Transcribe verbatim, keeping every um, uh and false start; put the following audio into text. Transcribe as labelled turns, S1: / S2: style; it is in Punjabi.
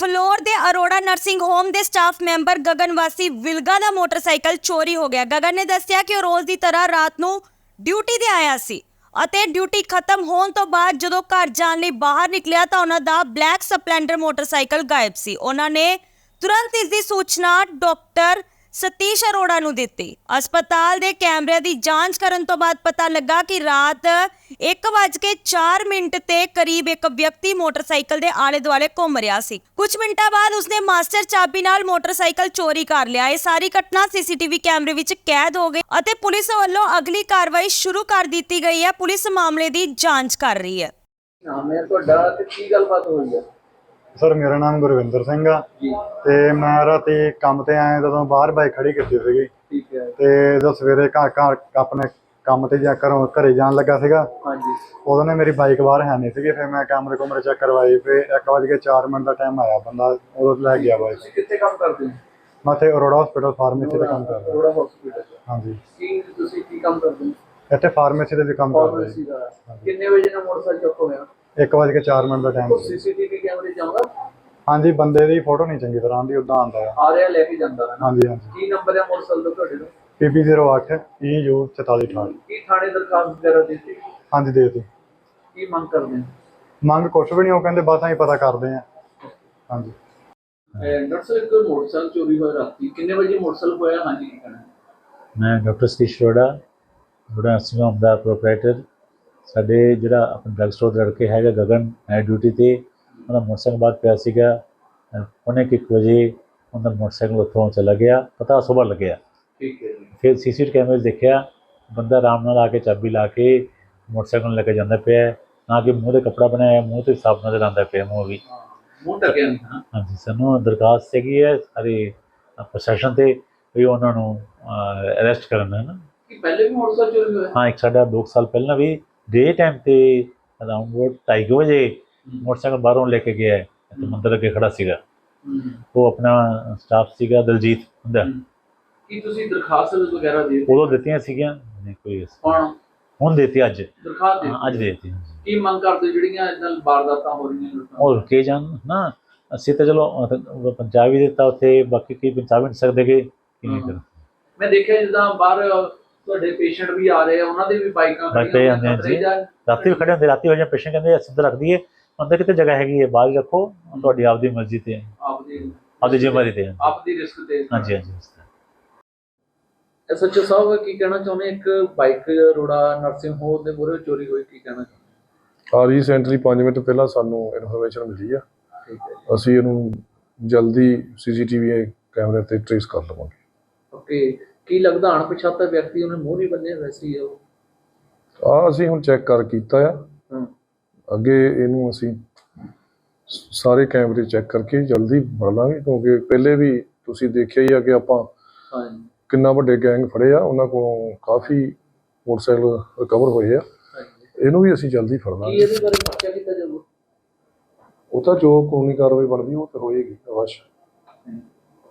S1: ਫਲੋਰ ਦੇ ਅਰੋੜਾ ਨਰਸਿੰਗ ਹੋਮ ਦੇ ਸਟਾਫ ਮੈਂਬਰ ਗਗਨ ਵਾਸੀ ਵਿਲਗਾ ਦਾ ਮੋਟਰਸਾਈਕਲ ਚੋਰੀ ਹੋ ਗਿਆ। ਗਗਨ ਨੇ ਦੱਸਿਆ ਕਿ ਉਹ ਰੋਜ਼ ਦੀ ਤਰ੍ਹਾਂ ਰਾਤ ਨੂੰ ਡਿਊਟੀ ਤੇ ਆਇਆ ਸੀ ਅਤੇ ਡਿਊਟੀ ਖਤਮ ਹੋਣ ਤੋਂ ਬਾਅਦ ਜਦੋਂ ਘਰ ਜਾਣ ਲਈ ਬਾਹਰ ਨਿਕਲਿਆ ਤਾਂ ਉਹਨਾਂ ਦਾ ਬਲੈਕ ਸਪਲੈਂਡਰ ਮੋਟਰਸਾਈਕਲ ਗਾਇਬ ਸੀ। ਉਹਨਾਂ ਨੇ ਤੁਰੰਤ ਇਸ ਦੀ ਸੂਚਨਾ ਡਾਕਟਰ ਸਤੀਸ਼ ਅਰੋੜਾ ਨੂੰ ਦਿੱਤੀ। ਹਸਪਤਾਲ ਦੇ ਕੈਮਰਿਆਂ ਦੀ ਜਾਂਚ ਕਰਨ ਤੋਂ ਬਾਅਦ ਪਤਾ ਲੱਗਾ ਕਿ ਰਾਤ ਇੱਕ ਵੱਜ ਕੇ ਚਾਰ ਮਿੰਟ ਤੇ ਕਰੀਬ ਇੱਕ ਵਿਅਕਤੀ ਮੋਟਰਸਾਈਕਲ ਦੇ ਆਲੇ ਦੁਆਲੇ ਘੁੰਮ ਰਿਹਾ ਸੀ। ਕੁਝ ਮਿੰਟਾਂ ਬਾਅਦ ਉਸਨੇ ਮਾਸਟਰ ਚਾਬੀ ਨਾਲ ਮੋਟਰਸਾਈਕਲ ਚੋਰੀ ਕਰ ਲਿਆ। ਇਹ ਸਾਰੀ ਘਟਨਾ ਸੀਸੀਟੀਵੀ ਕੈਮਰੇ ਵਿੱਚ ਕੈਦ ਹੋ ਗਈ ਅਤੇ ਪੁਲਿਸ ਵੱਲੋਂ ਅਗਲੀ ਕਾਰਵਾਈ ਸ਼ੁਰੂ ਕਰ ਦਿੱਤੀ ਗਈ ਹੈ। ਪੁਲਿਸ ਮਾਮਲੇ ਦੀ ਜਾਂਚ ਕਰ ਰਹੀ ਹੈ।
S2: ਨਾਮ ਹੈ ਤੁਹਾਡਾ ਤੇ ਕੀ ਗੱਲਬਾਤ ਹੋਈ ਹੈ?
S3: सर मेरा नाम गुरविंदर सिंह आ ते मैं राती काम ते आया जदों बाहर बाइक खड़ी कीती सीगी
S2: ठीक है
S3: ते जो सवेरे घर घर अपने काम ते जा घरों घरे जान लगा सीगा
S2: हाँ जी
S3: उदों ने मेरी बाइक बाहर है नहीं सीगी। फिर मैं कैमरे कुमरे चेक करवाई फिर एक बज के चार मिनट का टाइम आया बंदा उदों लै गया बाइक।
S2: ਤੁਸੀਂ ਕਿੱਥੇ ਕੰਮ ਕਰਦੇ ਹੋ?
S3: मैं इत्थे अरोड़ा हॉस्पिटल फार्मेसी ते काम कर रहा।
S2: ਅਰੋੜਾ ਹਸਪੀਟਲ
S3: हाँ जी
S2: ਕੀ ਤੁਸੀਂ ਕੀ ਕੰਮ ਕਰਦੇ ਹੋ?
S3: इत्थे फार्मेसी ते भी काम कर रहा।
S2: ਫਾਰਮੇਸੀ ਦਾ ਕਿੰਨੇ ਵਜੇ ਨਾਲ ਮੋਟਰਸਾਈਕਲ ਚੁੱਕ ਹੋਇਆ?
S3: एक बज के चार मिनट का टाइम सी।
S2: ਸੀਸੀਟੀਵੀ ਕੈਮਰੇ ਚਾਹੁੰਦਾ
S3: हाँ जी बंदे दी फोटो नहीं चंगी तरह आंदी उदां आंदा है।
S2: ਆ ਰਿਹਾ ਲੈ ਕੇ ਜਾਂਦਾ ਹੈ
S3: हाँ
S2: ਨਾ?
S3: जी हाँ जी
S2: ਕੀ ਨੰਬਰ ਹੈ ਮੋਟਰਸਾਈਕਲ ਦਾ ਤੁਹਾਡੇ ਦਾ?
S3: पी पी जीरो अठ ई यू चौताली अठाठ।
S2: ਕੀ ਥਾਣੇ ਦਰਖਾਸਤ ਵਗੈਰਾ ਦਿੱਤੀ?
S3: हाँ जी दे दी
S2: ਕੀ ਮੰਗ ਕਰਦੇ ਹੋ?
S3: ਮੰਗ ਕੁਛ ਵੀ ਨਹੀਂ, ਉਹ ਕਹਿੰਦੇ ਬਸ ਅਸੀਂ ਪਤਾ ਕਰਦੇ ਹਾਂ। ਹਾਂਜੀ
S2: ਡਾਕਟਰ ਸਾਹਿਬ ਇੱਕ ਮੋਟਰਸਾਈਕਲ ਚੋਰੀ ਹੋਇਆ ਰਾਤੀ ਕਿੰਨੇ ਵਜੇ ਮੋਟਰਸਾਈਕਲ ਹੋਇਆ? ਹਾਂਜੀ ਕੀ ਕਹਿਣਾ?
S4: ਮੈਂ doctor Satish Arora Arora nursing home ਦਾ ਪ੍ਰੋਪਰਾਈਟਰ। ਸਾਡੇ ਜਿਹੜਾ ਆਪਣਾ ਡਰੱਗ ਸਟੋਰ ਦਾ ਲੜਕੇ ਹੈਗਾ ਗਗਨ ਹੈ ਡਿਊਟੀ ਤੇ, ਉਹਦਾ ਮੋਟਰਸਾਈਕਲ ਬਾਅਦ ਪਿਆ ਸੀਗਾ। ਪੌਣੇ ਕੁ ਇੱਕ ਵਜੇ ਉਹਦਾ ਮੋਟਰਸਾਈਕਲ ਉੱਥੋਂ ਚਲਾ ਗਿਆ, ਪਤਾ ਸੁਬਾਹ ਲੱਗਿਆ।
S2: ਠੀਕ ਹੈ ਜੀ
S4: ਫਿਰ ਸੀ ਸੀ ਟੀ ਕੈਮਰੇ 'ਚ ਦੇਖਿਆ ਬੰਦਾ ਆਰਾਮ ਨਾਲ ਆ ਕੇ ਚਾਬੀ ਲਾ ਕੇ ਮੋਟਰਸਾਈਕਲ ਨੂੰ ਲੈ ਕੇ ਜਾਂਦਾ ਪਿਆ, ਨਾ ਕਿ ਮੂੰਹ 'ਤੇ ਕੱਪੜਾ ਬਣਾਇਆ, ਮੂੰਹ 'ਤੇ ਸਾਫ਼ ਨਜ਼ਰ ਆਉਂਦਾ ਪਿਆ ਮੂੰਹ ਵੀ।
S2: ਹਾਂ, ਮੂੰਹ ਢੱਕਿਆ ਨਹੀਂ ਹਾਂ
S4: ਹਾਂਜੀ ਸਾਨੂੰ ਦਰਖਾਸਤ ਹੈਗੀ ਹੈ ਸਾਰੇ ਪ੍ਰਸ਼ਾਸਨ 'ਤੇ ਵੀ ਉਹਨਾਂ ਨੂੰ ਅਰੈਸਟ ਕਰਨ ਹੈ ਨਾ।
S2: ਕਿ ਪਹਿਲੇ ਵੀ ਮੋਟਰਸਾਈਕਲ ਚੋਰੀ ਹੋਇਆ?
S4: ਹਾਂ ਇੱਕ ਸਾਡਾ ਦੋ ਕੁ ਸਾਲ ਪਹਿਲਾਂ ਵੀ ਡੇ ਟਾਈਮ 'ਤੇ ਅਰਾਊਂਡ ਢਾਈ ਕੁ ਵਜੇ ਮੋਟਰਸਾਈਕਲ ਬਾਹਰੋਂ ਲੈ ਕੇ ਗਿਆ ਅਤੇ ਮੰਦਰ ਅੱਗੇ ਖੜਾ ਸੀਗਾ।
S2: ਹੂੰ
S4: ਉਹ ਆਪਣਾ ਸਟਾਫ ਸੀਗਾ ਦਲਜੀਤ ਹੁੰਦਾ।
S2: ਕੀ ਤੁਸੀਂ ਦਰਖਾਸਤ ਵਗੈਰਾ ਦੇ
S4: ਉਦੋਂ ਦਿੱਤੀਆਂ ਸੀਗੀਆਂ ਨਹੀਂ ਕੋਈ
S2: ਕੌਣ
S4: ਹੁਣ ਦੇਤੀ ਅੱਜ
S2: ਦਰਖਾਸਤ ਦੇ
S4: ਹਾਂ, ਅੱਜ ਦੇ ਦਿੱਤੀ।
S2: ਕੀ ਮੰਗ ਕਰਦੇ ਜਿਹੜੀਆਂ ਇਦਾਂ ਵਾਰਦਾਤਾਂ ਹੋ ਰਹੀਆਂ ਲੋਕਾਂ
S4: ਉਹ ਰੁਕੇ ਜਾਣ ਨਾ। ਅਸੀਂ ਤਾਂ ਚਲੋ ਅਹ ਪੰਜਾਬ ਵੀ ਦਿੱਤਾ ਉੱਥੇ, ਬਾਕੀ ਕੀ ਪੰਜਾਬ ਵੀ ਨਹੀਂ ਸਕਦੇ ਕਿ ਕਿਵੇਂ ਕਰ।
S2: ਮੈਂ ਦੇਖਿਆ ਜਿੱਦਾਂ ਬਾਹਰ ਤੁਹਾਡੇ ਪੇਸ਼ੈਂਟ ਵੀ ਆ ਰਹੇ ਆ, ਉਹਨਾਂ ਦੇ ਵੀ ਬਾਈਕਾਂ
S4: ਬਾਈਕ ਤੇ ਆਉਂਦੇ ਆ ਜੀ, ਰਾਤੀ ਵੀ ਖੜੇ ਹੁੰਦੇ। ਰਾਤੀ ਵਜੇ ਪੇਸ਼ੈਂਟ ਕਹਿੰਦੇ ਸਿੱਧਾ ਰੱਖ ਦਈਏ, ਅੰਦਰ ਕਿਤੇ ਜਗ੍ਹਾ ਹੈਗੀ ਹੈ ਬਾਹਰ ਰੱਖੋ, ਤੁਹਾਡੀ ਆਪਦੀ ਮਰਜ਼ੀ ਤੇ
S2: ਆਪਦੀ
S4: ਆਪਦੀ ਜ਼ਿੰਮੇਵਾਰੀ ਤੇ।
S2: ਆਪਦੀ ਰਿਸਕ ਤੇ।
S4: ਹਾਂਜੀ ਹਾਂਜੀ
S2: ਐਸ ਐਚ ਓ ਸਾਹਿਬ ਕੀ ਕਹਿਣਾ ਚਾਹੁੰਦੇ? ਇੱਕ ਬਾਈਕ ਅਰੋੜਾ ਨਰਸਿੰਗ ਹੋਮ ਦੇ ਮੂਹਰੇ ਚੋਰੀ ਹੋਈ, ਕੀ ਕਹਿਣਾ ਚਾਹੁੰਦੇ?
S5: ਆ ਰੀਸੈਂਟਲੀ ਪੰਜ ਮਿੰਟ ਪਹਿਲਾਂ ਸਾਨੂੰ ਇਨਫੋਰਮੇਸ਼ਨ ਮਿਲੀ ਆ।
S2: ਠੀਕ ਹੈ
S5: ਅਸੀਂ ਇਹਨੂੰ ਜਲਦੀ ਸੀਸੀਟੀਵੀ ਕੈਮਰੇ ਤੇ ਟ੍ਰੇਸ ਕਰ ਲਵਾਂਗੇ।
S2: ਓਕੇ ਕੀ ਲੱਗਦਾ ਅਣਪਛਾਤਾ ਵਿਅਕਤੀ ਉਹਨੇ ਮੂੰਹ ਨਹੀਂ ਬੰਨਿਆ ਵੈਸੇ ਹੀ ਉਹ?
S5: ਆ ਅਸੀਂ ਹੁਣ ਚੈੱਕ ਕਰ ਕੀਤਾ ਆ।
S2: ਹਾਂ
S5: ਅੱਗੇ ਇਹਨੂੰ ਅਸੀਂ ਸਾਰੇ ਕੈਮਰੇ ਚੈੱਕ ਕਰਕੇ ਜਲਦੀ ਫੜ ਲਾਂਗੇ, ਕਿਉਂਕਿ ਪਹਿਲੇ ਵੀ ਤੁਸੀਂ ਦੇਖਿਆ ਹੀ ਆ ਕਿ ਆਪਾਂ
S2: ਹਾਂ
S5: ਕਿੰਨਾ ਵੱਡੇ ਗੈਂਗ ਫੜੇ ਆ, ਉਹਨਾਂ ਕੋਲੋਂ ਕਾਫੀ ਮੋਟਰਸਾਈਕਲ ਰਿਕਵਰ ਹੋਏ ਆ। ਇਹਨੂੰ ਵੀ ਅਸੀਂ ਜਲਦੀ ਫੜ
S2: ਕੀ
S5: ਲਾਂਗੇ।
S2: ਇਹਦੇ ਬਾਰੇ ਪਰਚਾ ਕੀਤਾ ਜਾਊਗਾ?
S5: ਉਹ ਤਾਂ ਜੋ ਕਾਨੂੰਨੀ ਕਾਰਵਾਈ ਬਣਦੀ ਉਹ ਤਾਂ ਹੋਏਗੀ ਅਵਸ਼।